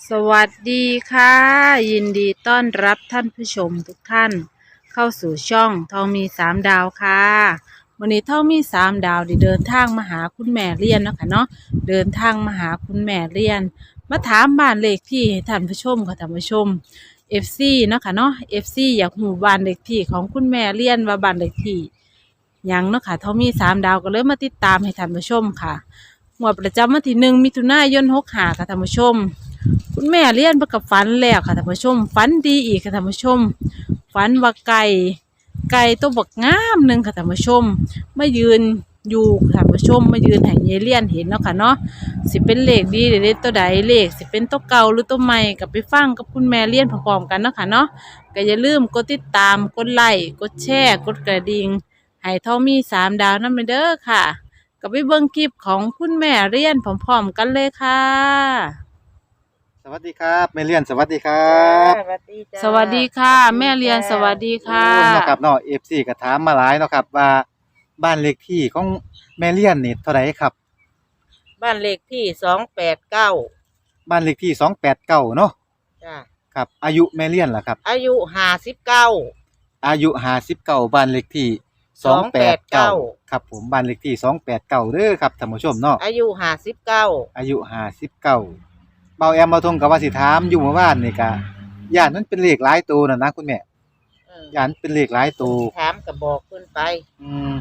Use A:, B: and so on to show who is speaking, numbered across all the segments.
A: สวัสดีค่ะยินดีต้อนรับท่านผู้ชมทุกท่านเข้าสู่ช่องทองมีสามดาวค่ะวันนี้ทองมีสามดาวได้เดินทางมาหาคุณแม่เรียนเนาะค่ะเนาะเดินทางมาหาคุณแม่เรียนมาถามบ้านเลขที่ให้ท่านผู้ชมค่ะท่านผู้ชม FC เนาะค่ะเนาะ FC อยากหูบ้านเลขที่ของคุณแม่เรียนว่าบ้านเลขที่หยังเนาะค่ะทองมีสามดาวก็เลยมาติดตามให้ท่านผู้ชมค่ะงวดประจำวันที่1 มิถุนายน65ค่ะท่านผู้ชม คุณแม่เลี้ยนเพื่อกับฝันแล้วค่ะท่านผู้ชมฝันดีอีกค่ะท่านผู้ชมฝันว่าไก่ตัวบักงามหนึ่งค่ะท่านผู้ชมมายืนอยู่ค่ะท่านผู้ชมมายืนให้ยายเลี้ยนเห็นเนาะค่ะเนาะสิเป็นเลขดีหรือเลขตัวใดเลขสิเป็นตัวเก่าหรือตัวใหม่กับไปฟังกับคุณแม่เลี้ยนพร้อมๆกันเนาะค่ะเนาะก็อย่าลืมกดติดตามกดไลค์กดแชร์กดกระดิ่งให้ทอมมีสามดาวนั่นไปเด้อค่ะก็ไปเบิ่งคลิปของคุณแม่เลี้ยนพร้อมๆกันเลยค่ะ
B: สวัสดีครับแม่เลียนสวัสดีครั
C: จ้า
B: บ
C: สวัสดีจ้า
A: สวัสดีค่ะแม่เรียนสวัสดีค่ะ
B: โอ้เนาะครับเนาะ FC ก็ถามมาหลายเนาะครับว่าบ้านเลขที่ของแม่เลียนนี่เท่าไหร่ครับ
C: บ้านเลขที่289
B: บ้านเลขที่289เนาะ
C: จ้า
B: ครับอายุแม่เลียนล่ะครับ
C: อายุ59
B: อายุ59บ้านเลขที่289ครับผมบ้านเลขที่289เด้อครับท่านผู้ชมเนาะ
C: อายุ59
B: อายุ59เบาแอมเบาทงก็ว่าสิถามอยู่เมื่อวานนี่ก็ย่านมันเป็นเลขหลายตัวน่ะนะคุณแม่ย่านเป็นเลขหลายตัว
C: ถามก็บอกเพิ่นไป
B: อืม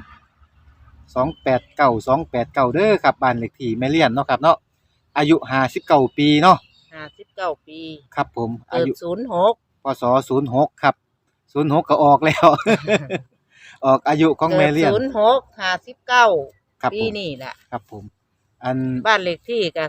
B: 289เด้อครับบ้านเลขที่แม่เลียนเนาะครับเนาะอายุ59ปีเนาะ
C: 59ปี
B: ครับผมอา
C: เกิด
B: ยุ
C: 06
B: พศ06ครับ06ก็ออกแล้ว ออกอายุของ
C: เกิด
B: แม่เลียน
C: 06
B: ครับ
C: 59ปี
B: ผม
C: นี่แหละ
B: ครับผมอัน
C: บ้านเลขที่ก็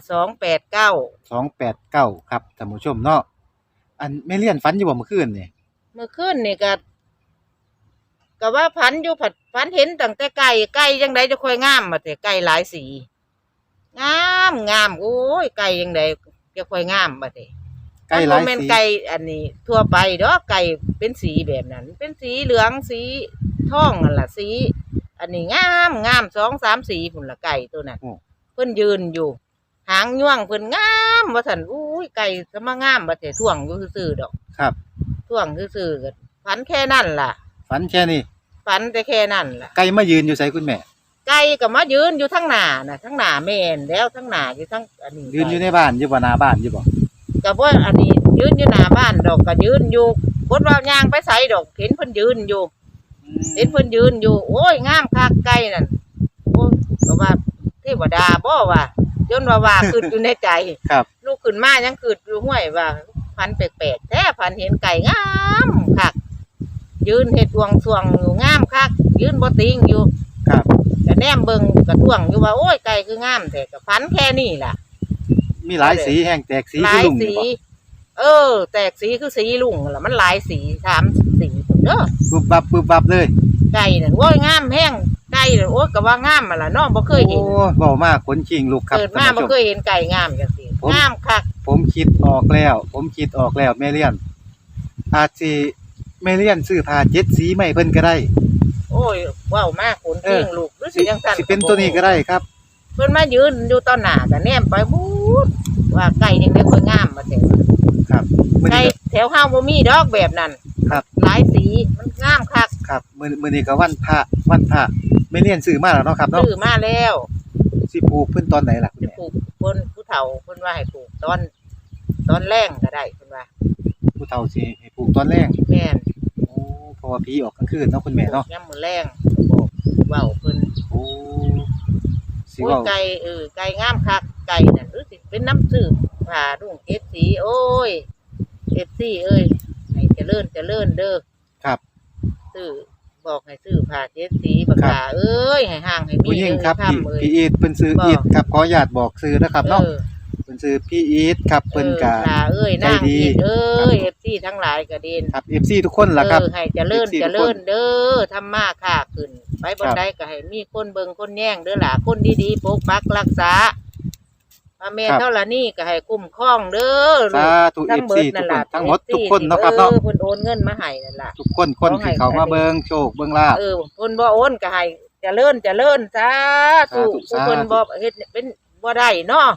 B: 289ครับท่านผู้ชมเนาะอันแม่เลียนฝันอยู่บ่เมื่อคืนนี่
C: 289เมื่อคืนนี่ก็ว่าพันอยู่พันเห็นตั้งแต่ไก่จังไดจะค่อยงามมาแต่ไก่หลายสีงามโอ้ยไก่จังไดจะค่อยงามมาแต่
B: ใกล้หลาย
C: มันบ่แม่น
B: สี
C: ไก่อันนี้ทั่วไปเด้อไก่เป็นสีแบบนั้น เป็นสีเหลืองสีทองนั่นล่ะสีอันนี้งาม2-3สีพุ่นละไก่ตัวนั้นเพิ่นยืนอยู่หางย่วงเพิ่นงามว่าซั่นอุ้ยไก่สมางามบ่แต่ท่วงอยู่ซื่อๆดอก
B: ครับ
C: ท่วงซื่อๆก็ฝันแค่นั้นล่ะ
B: ฝันแค่นี้
C: ฝันแต่แค่นั้นล่ะ
B: ไก่มายืนอยู่ไสคุณแม่
C: ไก่ก็มายืนอยู่ทั้งหน้าน่ะทั้งหน้าแม่นแล้วทั้งหน้าอยู่ทั้งอันนี้
B: ยืนอยู่ในบ้านอยู่บ่หน้าบ้านอยู่บ่
C: ก็บ่อันนี้ยืนอยู่หน้าบ้านดอกก็ยืนอยู่บ่ว่าย่างไปไสดอกเห็นเพิ่นยืนอยู่เห็นเพิ่นยืนอยู่โอ้ยงามคักไก่นั่นโอ้ยก็ว่าเทวดาบ่ว่าจนว่าขึ้นอยู่ในใจ
B: ครับ
C: ลูกขึ้นมายังขึ้นอยู่ห้วยว่าพันแปลกๆแท้พันเห็นไก่งามคักยืนเฮ็ดวงสวงอยู่งามคักยืนบ่ติงอยู่
B: ครับ
C: ก็แนมเบิ่งก็ท่วงอยู่ว่าโอ้ยไก่คืองามแท้ก็พันแค่นี้ล่ะ
B: มีหลายสีแห้งแตกสี
C: หลา
B: คือย ลุง
C: สี
B: นี่บ่
C: แตกสีคือสีลุงล่ะมันหลายสี3สีพุ่นเด้อ
B: บึบบับเลย
C: ไก่นั่นโอ้ยงามแฮงไก่นั่นโอ้ยก็ว่างามมาล่ะเนาะบ่เคยเห็น
B: โอ้เว้ามากขนชิงลูกครับ
C: เกิดมา
B: ท่าน
C: บ่
B: ผู้ช
C: เคยเห็นไก่งามจังซี่งามคัก
B: ผมคิดออกแล้วแม่เลียนอาจสิแม่เลียนซื้อผ้า7สีมาให้เพิ่นก็ได้
C: โอ้ยว้าวมากคนจริงลูกหรือสิจังซั่น
B: สิเป็นตัวนี้ก็ได้ครับ
C: เพิ่นมายืนอยู่ต่อหน้าก็แนมไปบูดว่าไก่ยังได้ค่อยงามมาแต่
B: ครับมื้อ
C: ไก่
B: นี้
C: แถวเฮาบ่มีดอกแบบนั้น
B: ครับ
C: หลายสีมันงามคัก
B: ครับมื้อนี้ก็วันพระแม่เลียนซื้อมาแล้วเนาะครับเนาะ
C: ซื้อมาแล้ว
B: สิปลูกเพิ่นตอนไหนล่ะคุณ
C: จะ
B: แม่
C: ปลูกเพิ่นผู้เฒ่าเพิ่นว่าให้ปลูกตอนแรงก็ได้เพิ่นว่า
B: ผู้เฒ่าสิให้ปลูกตอนแรก
C: แม่น
B: โอ้เพราะว่าผีออกกลางคืนเนาะคุณแม่เนาะ
C: ยามมื้อแรงบอกเว้าเพิ่น
B: โอ้สิ
C: โอ้ย
B: เว้า
C: ไก่งามคักไก่นั่นหรือสิเป็นน้ำสืบผ่าดุ้งเจ็ดสีโอ้ยเจ็ดสีเอ้ยให้เจริญเด้อ
B: ครับ
C: ซื้อบอกให้ซื้อผ่าเจ็ดสีปากกาเอ้ยให้ห่างให้มี
B: ผู้หญิงครับ
C: เอ้ยำเอ้ย
B: พี่อีทเพิ่นซื้ออีทครับขออนุญาตบอกซื้อนะครับเนาะเพิ่นซื้อพี่อีทครับเพิ่นก็
C: ผ่าเอ้ยนาง
B: ใจดี
C: อีทเอ้
B: ครับ
C: ยเอฟซีทั้งหลายก็ดีน
B: ครับ FC ทุกคนล่ะครับ
C: ให้เจริญ
B: FC ทุกคน
C: เด้อทำมาค้าขึ้นไปบนใดก็ให้มีคนเบิ่งคนแย่งเด้อล่ะคนดีๆปกปักรักษาพระแม่เท่าละนี่ก็ให้คุ้มครองเด้อ
B: สาธุ
C: ทั้ง
B: FC
C: เบิด
B: ทุ
C: นั่
B: ก
C: น ล่ะ
B: คนทั้งหมดทุกคนเนาะครับเนาะ
C: เพิ่นโอนเงินมาให้นั่นล่ะ
B: ทุกคนที่เขามาเบิ่งโชคเบิ่งลาภ
C: เพิ่นบ่โอนก็ให้เจริญสาธุ
B: สาธุ
C: ผู้เพิ่นบ่เฮ็ดเป็นบ่ได้เนาะ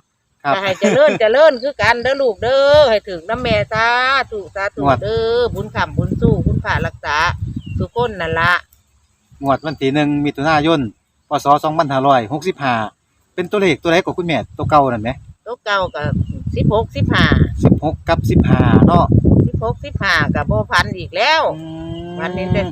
B: ครับ
C: ก็ให้เจริญคือกันเด้อลูกเด้อให้ถึงน้ำแม่สาธุเด้อบุญคำบุญสู้คุณพระรักษาทุกคนนั่นละ
B: งวดวันที่1มิถุนายนพศ2565เป็นตัวเลขตัวใดก็คุณแม่ตัวเก่านั่นแหม
C: ตัวเก่ากับ16
B: 16กับ15เนาะ
C: 15กับโบพันอีกแล้ววันนี้เป็น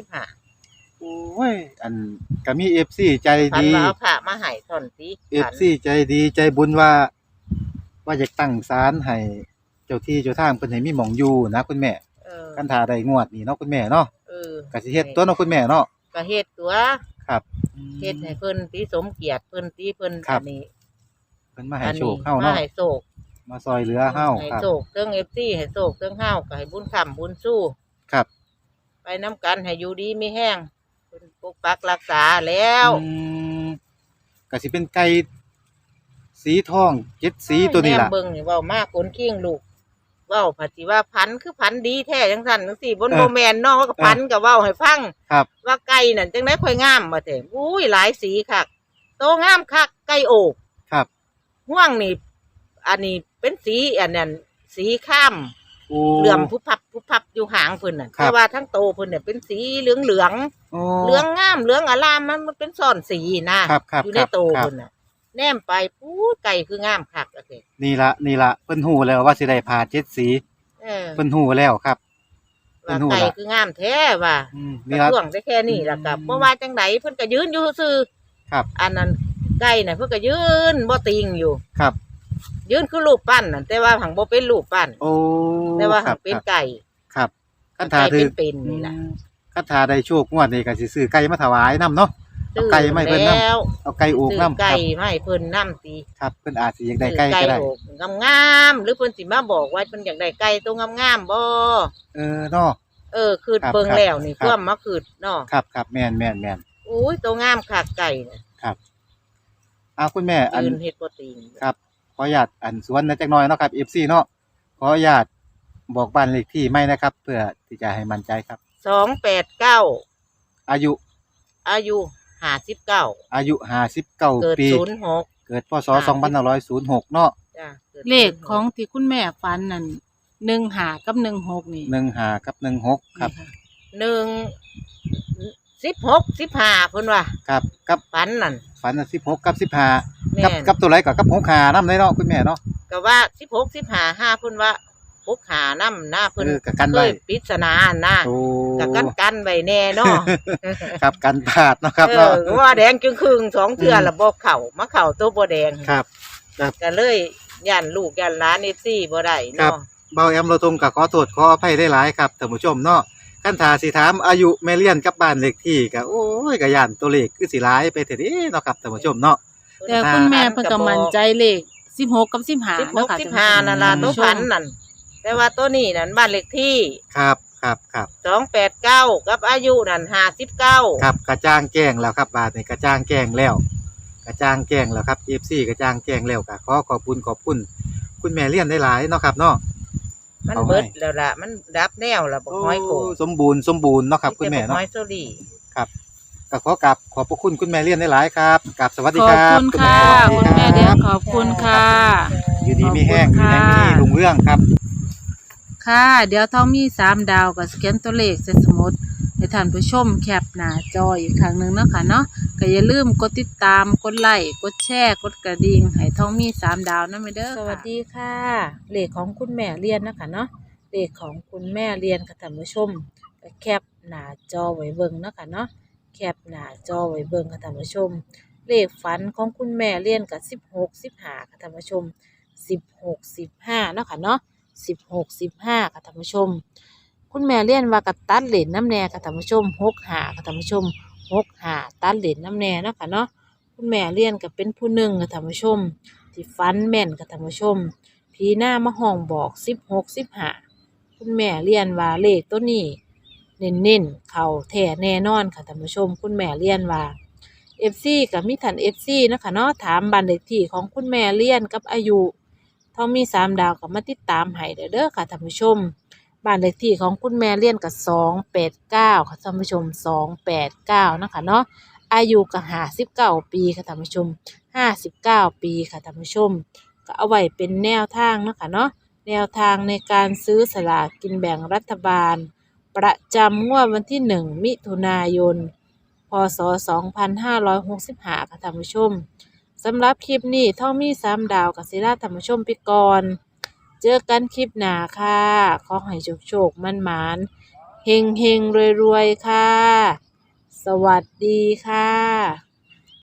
C: 16 15
B: โอ้ยอันก็มี FC ใจ
C: พัน
B: ดี
C: ว่าเอาผ้ามาให้ท่อนสิ
B: FC ใจดีใจบุญว่าอยากตั้งศาลให้เจ้าที่เจ้าทางเพิ่นให้มีหม่องอยู่นะคุณแม่ คันถ้าได้งวดนี้เนาะคุณแม่เนาะก็สิเฮ็ดตัวเนาะคุณแม่เนาะ
C: ก็เฮ็ดตัว
B: ครับ
C: เฮ็ดให้เพิ่นติสมเกียรติเพิ่นติเพิ่น
B: ครับ
C: อันนี้
B: เพิ่นมาให้โชคเฮาเนาะ
C: มาให้โชค
B: มาซอยเหลือเฮา
C: ให้
B: ครับ
C: โชคเทิง FC ให้โชคเทิงเฮาก็ให้บุญคำบุญสู้
B: ครับ
C: ไปน้ำกันให้อยู่ดีมีแห้งเพิ่นปกปักรักษาแล้ว
B: ก็สิเป็นไก่สีทอง7สีตัวนี้ล่ะ
C: แม่เบิ่งนี่เว้ามากคนเคียงลูกเว้าผัดสิว่าพันคือพันดีแท้จังซั่นจังซี่บนบ่แม่นเนาะว่าก็พันก็เว้าให้ฟัง
B: ครับ
C: ว่าไก่นั่นจังได๋ค่อยงามว่าแต่อุ้ยหลายสีคักโตงามคักไก่โอก
B: ครับ
C: ห่วงนี่อันนี้เป็นสีอันนั้นสีข้าม
B: โอ้
C: เหลื่อมผู้พับอยู่หางเพิ่นน่ะ
B: ครับ
C: แต่ว่าทั้งโตเพิ่นเนี่ยเป็นสีเหลือง
B: โอ้
C: เหลืองงามเหลืองอลามมันเป็นซ่อนสีนะครับ
B: ครับ
C: อยู่ในโต
B: ครับ
C: เพิ่นน่ะแนมไปปู๊ไก่คืองามคักอะเด้
B: นี่ละเพิ่นฮู้แล้วว่าสิได้ผ่า7สีเพิ่นฮู้แล้วครับ
C: ว่า
B: เพิ่นฮู้
C: ไก่
B: ละ
C: คืองามแท้ว่า
B: นี่
C: ก
B: ละ
C: ระท่วงได้แค่นี้ล่ะกับเพราะว่าจังไดเพิ่นก็ยืนอยู่ซื่อ
B: ครับ
C: อันนั้นไก่น่ะเพิ่นก็ยืนบ่ติงอยู่
B: ครับ
C: ยืนคือรูปปั้นน่ะแต่ว่าหังบ่เป็นรูปปั้น
B: โอ้
C: แต่ว่า
B: ค
C: หั
B: รั
C: ง
B: บ
C: เป็น
B: ครับ
C: ไก่
B: ครับคันถ้า
C: ไก่
B: ถือ
C: เป็นๆนี่ล่ะ
B: คันถ้าได้โชคงวดนี้ก็สิซื้อไก่มาถวายนํเนาะ เอาไก่มาให้เพิ่นนำ
C: แล้ว
B: เอาไก่อก
C: ซื้อ
B: นํค
C: ไก่
B: รับ
C: มาให้เพิ่นนํติ
B: ครับเพิ่นอาจสิอยากได้ไก่ก็ได้
C: อกงามๆหรือเพิ่นสิมาบอกว่าเพิ่นอยากได้ไก่ตัวงามๆบ่
B: เนาะ
C: คือ
B: ครับ
C: เบิ่ง
B: ครับ
C: แล้วนี่
B: ครับ
C: ความมาคือเนาะ
B: ครับแม่น
C: อุ้ยตัวงามคักไก่น่ะ
B: เอาคุณแม่อัน
C: ยืนเฮ็ดบ่ติง
B: ครับขออนุญาตอันสวนนะจักหน่อยเนาะครับ FC เนาะขออนุญาตบอกบ้านเลขที่ไม่นะครับ เพื่อที่จะให้มั่นใจครับ
C: 289
B: อายุ
C: อายุ59
B: อายุ
C: เกิด
B: 59ปี
C: 06
B: เกิดพศ2506เนาะ
C: จ้ะกิด
A: เลขของที่คุณแม่ฝันนั่น15กับ16นี่
B: 15กับ16ครับ
C: 1 16 15เพิ่นว่า
B: ครับกับ
C: ฝันนั่น
B: ฝันน่ะ16กับ15
C: แม่
B: กับตัวไรก็กับ65นำเลยเนาะคุณแม่เนาะ
C: ก็ว่า16 15 5เพิ่นว่า6 5นำหน้าเพิ่น
B: ก็กัน
C: เค
B: ไว้
C: ยปริศนานะ
B: โอ้
C: ก็กันไว้แน่เนาะ
B: ครับกันพลาดเนาะครับเนาะ
C: ว่าแดงจึงครึ่ง2เทื่อละบ่เข้ามาเข้าตัวบ่แดง
B: ครับ
C: ก็เลยย่านลูกย่านหลาน FC บ่ได้
B: ครับ
C: เนาะ
B: เบาแอมเราทงก็ขอโทษขออภัยได้หลายครับท่านผู้ชมเนาะคันถ้าสิถามอายุแม่เลี้ยนกับบ้านเลขที่ก็โอ้ยก็ย่านตัวเลขคือสิหลายไปเถิดเด้เนาะครับท่านผู้ชมเนาะ
A: แต่คุณแม่เพิ่นก็มั่นใจเลข16กับ15เนาะค่ะ
C: 16 15นั่นล่ะตัวฝันนั่นแต่ว่าตัวนี้นั่นบ้านเลขที่
B: ครับ
C: 289กับอายุนั่น59
B: ครับกระจ่างแจ้งแล้วครับบาดนี้กระจ่างแจ้งแล้วครับ FC กระจ่างแจ้งแล้วก็ขอขอบคุณคุณแม่เลี้ยนได้หลายเนาะครับเนาะ
C: มัน
B: เอาไว้
C: เบิดแล้วล่ะมันดับแนวแล้วบ่ห้อยโก
B: สมบูรณ์เนาะครับคุณแม่
C: แต่บ่
B: เนาะ
C: ห้อยโซลี่
B: ก็ขอกราบขอบพระคุณคุณแม่เลี้ยนได้หลายครับกราบสวัสดี
A: ข
B: ค
A: อบ
B: รับ
A: คุณค่ะ
B: ส
A: คุ
B: วั
A: ณ
B: ส
A: แม่
B: ดี
A: เดีย
B: ครั
A: น
B: บ
A: ขอบคุณค่ะ
B: อยู่ดีมีแห้ง
A: ขอบคุณ
B: มีแรงมี
A: ค่ะ
B: ลุงเรื่องครับ
A: ค่ะ เดี๋ยวท้องมี3ดาวกับสแกนตัวเลขใส่สมุดให้ท่านผู้ชมแคปหน้าจออีกครั้งหนึ่งเนาะค่ะเนาะก็อย่าลืมกดติดตามกดไลค์กดแชร์กดกระดิ่งให้ท้องมี3ดาวนะไม่เด้อสวัสดีค่ะเลขของคุณแม่เรียนนะคะเนาะเลขของคุณแม่เรียนค่ะท่านผู้ชมก็แคปหน้าจอไว้เบิ่งเนาะค่ะเนาะแคปหน้าจอไว้เบิ่งค่ะท่านผู้ชม เลขฝันของคุณแม่เรียนกับ16 15ค่ะท่านผู้ชม16 15เนาะค่ะเนาะ16 15ค่ะท่านผู้ชม คุณแม่เรียนว่ากับตัดเหรียญน้ำแน่ค่ะท่านผู้ชม6 5ค่ะท่านผู้ชม6 5ตัดเหรียญน้ำแน่เนาะค่ะเนาะคุณแม่เรียนกับเป็นผู้หนึ่งค่ะท่านผู้ชม ที่ฝันแม่นค่ะท่านผู้ชมผีหน้ามาห้องบอก16 15คุณแม่เรียนว่าเลขตัวนี้เน้นๆเข้าแท้แน่นอนค่ะท่านผู้ชม คุณแม่เรียนว่า FC กับมิถัน FC นะคะเนาะถามบ้านเลขที่ของคุณแม่เลี้ยนกับอายุท้องมี3ดาวกับมาติดตามให้เด้อค่ะท่านผู้ชมบ้านเลขที่ของคุณแม่เลี้ยนกับ289ค่ะท่านผู้ชม289นะคะเนาะอายุกับ59ปีค่ะท่านผู้ชม59ปีค่ะท่านผู้ชมก็เอาไว้เป็นแนวทางเนาะค่ะเนาะแนวทางในการซื้อสลากกินแบ่งรัฐบาลประจำงวดวันที่1 มิถุนายน พ.ศ. 2565 ค่ะท่านผู้ชมสำหรับคลิปนี้ท่องมี3 ดาวกับศิลาท่านผู้ชมไปก่อนเจอกันคลิปหน้าค่ะขอให้โชคๆมันๆเฮงๆรวยๆค่ะสวัสดีค่ะ